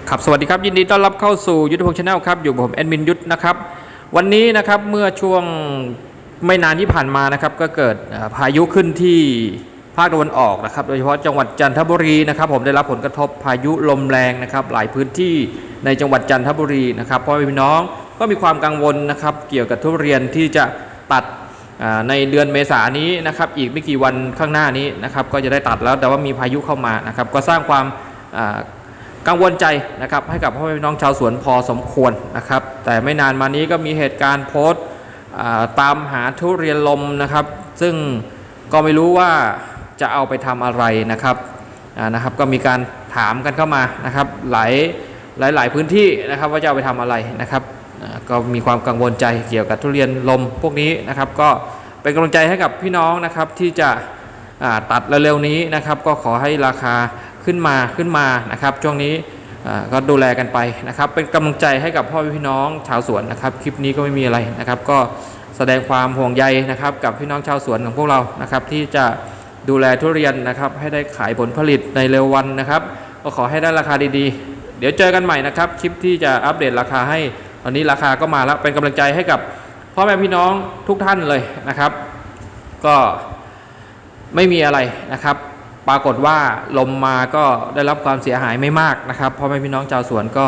ครับสวัสดีครับยินดีต้อนรับเข้าสู่ยุทธพงศ์ชาแนลครับอยู่ผมแอดมินยุทธนะครับวันนี้นะครับเมื่อช่วงไม่นานที่ผ่านมานะครับก็เกิดพายุขึ้นที่ภาคตะวันออกนะครับโดยเฉพาะจังหวัดจันทบุรีนะครับผมได้รับผลกระทบพายุลมแรงนะครับหลายพื้นที่ในจังหวัดจันทบุรีนะครับพ่อแม่พี่น้องก็มีความกังวลนะครับเกี่ยวกับทุเรียนที่จะตัดในเดือนเมษายนนี้นะครับอีกไม่กี่วันข้างหน้านี้นะครับก็จะได้ตัดแล้วแต่ว่ามีพายุเข้ามานะครับก็สร้างความกังวลใจนะครับให้กับพ่อแม่พี่น้องชาวสวนพอสมควรนะครับแต่ไม่นานมานี้ก็มีเหตุการณ์โพสต์ตามหาทุเรียนลมนะครับซึ่งก็ไม่รู้ว่าจะเอาไปทำอะไรนะครับก็มีการถามกันเข้ามานะครับหลายพื้นที่นะครับว่าจะเอาไปทำอะไรนะครับก็มีความกังวลใจเกี่ยวกับทุเรียนลมพวกนี้นะครับก็เป็นกำลังใจให้กับพี่น้องนะครับที่จะตัดเร็วๆนี้นะครับก็ขอให้ราคาขึ้นมานะครับช่วงนี้ก็ดูแลกันไปนะครับเป็นกำลังใจให้กับพ่อพี่น้องชาวสวนนะครับคลิปนี้ก็ไม่มีอะไรนะครับก็แสดงความห่วงใยนะครับกับพี่น้องชาวสวนของพวกเรานะครับที่จะดูแลทุเรียนนะครับให้ได้ขายผลผลิตในเร็ววันนะครับก็ขอให้ได้ราคาดีๆเดี๋ยวเจอกันใหม่นะครับคลิปที่จะอัปเดตราคาให้ตอนนี้ราคาก็มาแล้วเป็นกำลังใจให้กับพ่อแม่พี่น้องทุกท่านเลยนะครับก็ไม่มีอะไรนะครับปรากฏว่าลมมาก็ได้รับความเสียหายไม่มากนะครับพ่อแม่พี่น้องชาวสวนก็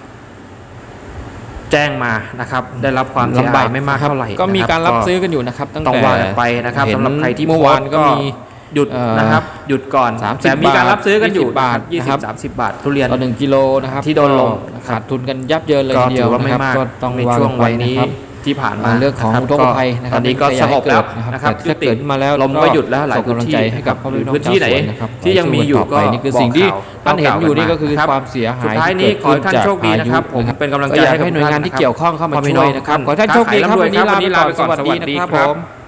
แจ้งมานะครับได้รับความเสียหายไม่มากเท่าไหร่ก็มีการรับซื้อกันอยู่นะครับตั้งแต่ต้องว่ากันไปนะครับสำหรับใครที่เมื่อวานก็หยุดนะครับหยุดก่อนแต่มีการรับซื้อกันอยู่บาท 20-30 บาททุเรียนต่อ1 กิโลนะครับที่โดนลมขาดทุนกันยับเยินเลยทีเดียวนะครับก็ต้องในช่วงวันนี้ที่ผ่านมาเรื่องของอุทกภัยนะครับตอนนี้ก็สงบแล้วนะครับถ้าเกิดมาแล้วลมก็หยุดแล้วหลายพื้นที่ให้กับพื้นที่ไหนที่ยังมีอยู่ก็นี่คือสิ่งที่ท่านเห็นอยู่นี่ก็คือความเสียหายสุดท้ายนี้ขอให้ท่านโชคดีนะครับผมเป็นกำลังใจให้หน่วยงานที่เกี่ยวข้องเข้ามาช่วยนะครับขอท่านโชคดีครับวันนี้ลาไปก่อนสวัสดีนะครับผม